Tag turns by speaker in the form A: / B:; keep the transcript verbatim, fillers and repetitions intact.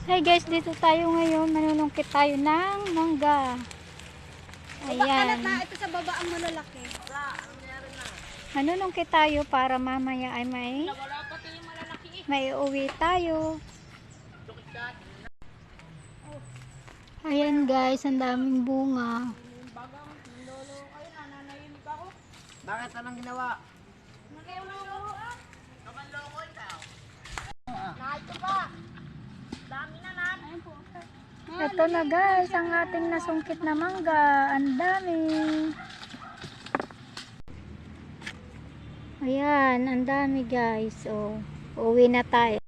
A: Hi guys, dito tayo ngayon. Manunungkit tayo ng mangga. Ayan.
B: Na ito sa baba ang malalaki.
A: Manunungkit tayo para mamaya ay may may uwi tayo. Ayan guys, ang daming bunga.
C: Bakit anong ginawa?
A: Ito na guys, ang ating nasungkit na mangga. Ang dami. Ayan, ang dami guys. Oh, uwi na tayo.